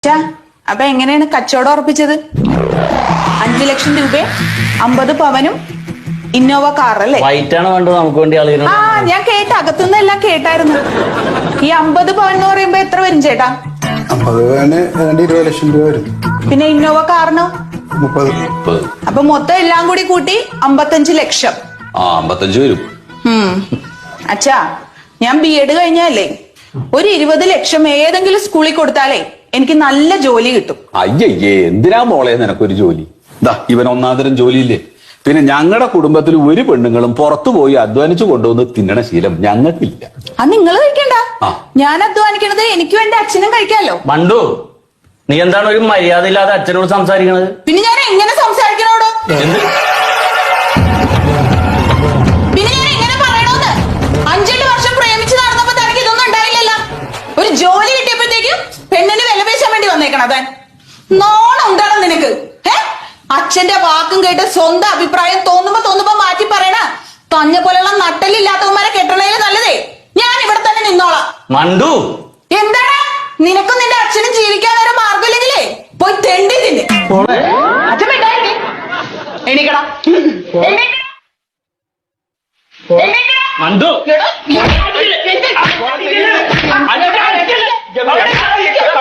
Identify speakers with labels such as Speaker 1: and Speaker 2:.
Speaker 1: അപ്പൊ എങ്ങനെയാണ് കച്ചവടം ഉറപ്പിച്ചത്? 5 ലക്ഷം രൂപ, 50 പവനും ഇന്നോവ കാർ അല്ലേ?
Speaker 2: വൈറ്റാണ് വേണ്ടത് നമുക്ക് വേണ്ടി ആളുകൾ.
Speaker 1: ആ ഞാൻ കേട്ട അകത്തുനിന്ന് എല്ലാം കേട്ടായിരുന്നു. ഈ 50 പവൻ എന്ന് പറയുമ്പോ എത്ര വരും ചേട്ടാ?
Speaker 3: 50 പവന് 20 ലക്ഷം രൂപ വരും.
Speaker 1: പിന്നെ ഇന്നോവ കാറിനോ?
Speaker 3: 30.
Speaker 1: അപ്പൊ മൊത്തം എല്ലാം കൂടി കൂട്ടി 55 ലക്ഷം.
Speaker 4: 55 വരും.
Speaker 1: അച്ഛാ, ഞാൻ B.Ed കഴിഞ്ഞാലേ ഒരു 20 ലക്ഷം ഏതെങ്കിലും സ്കൂളിൽ കൊടുത്താലേ എനിക്ക് നല്ല ജോലി കിട്ടും.
Speaker 4: അയ്യയ്യേ, എന്തിനാ മോളെ നിനക്കൊരു ജോലി? ഇവൻ ഒന്നാന്തരം ജോലിയില്ലേ. പിന്നെ ഞങ്ങളുടെ കുടുംബത്തിൽ ഒരു പെണ്ണുങ്ങളും പുറത്തു പോയി അധ്വാനിച്ചു കൊണ്ടുവന്ന് തിന്നണ ശീലം ഞങ്ങൾക്കില്ല.
Speaker 1: അത് നിങ്ങൾ കഴിക്കണ്ട, ഞാൻ അധ്വാനിക്കണത് എനിക്കും എന്റെ അച്ഛനും കഴിക്കാലോ.
Speaker 2: മണ്ടു, നീ എന്താണ് ഒരു മര്യാദ ഇല്ലാതെ അച്ഛനോട് സംസാരിക്കണത്?
Speaker 1: പിന്നെ ഞാൻ എങ്ങനെ സംസാരിക്കണോടോ? പിന്നെ ഞാൻ എങ്ങനെ പറയണോന്ന്? 5-8 വർഷം പ്രേമിച്ച് നടന്നപ്പോ തനിക്ക് ഇതൊന്നും ഉണ്ടായില്ലല്ലോ. ഒരു ജോലി കിട്ടിയപ്പോഴത്തേക്കും പെണ്ണിന് വില പേശാൻ വേണ്ടി വന്നേക്കണത്. നോണം ഉണ്ടാണോ നിനക്ക്? അച്ഛന്റെ വാക്കും കേട്ട് സ്വന്തം അഭിപ്രായം തോന്നുമ്പോ മാറ്റി പറയണ തഞ്ഞ പോലെയുള്ള നട്ടലില്ലാത്തവന്മാരെ കെട്ടണേല് നല്ലതേ ഞാൻ ഇവിടെ തന്നെ നിന്നോളാം.
Speaker 2: മണ്ടു,
Speaker 1: എന്താണ് നിനക്കും നിന്റെ അച്ഛനും ജീവിക്കാൻ വേറെ മാർഗമില്ലെങ്കിലേ പോയി തെണ്ടി തിന്നെ. അച്ഛൻ മിണ്ടായില്ലേ? എണീക്കടാ,
Speaker 2: മണ്ടു.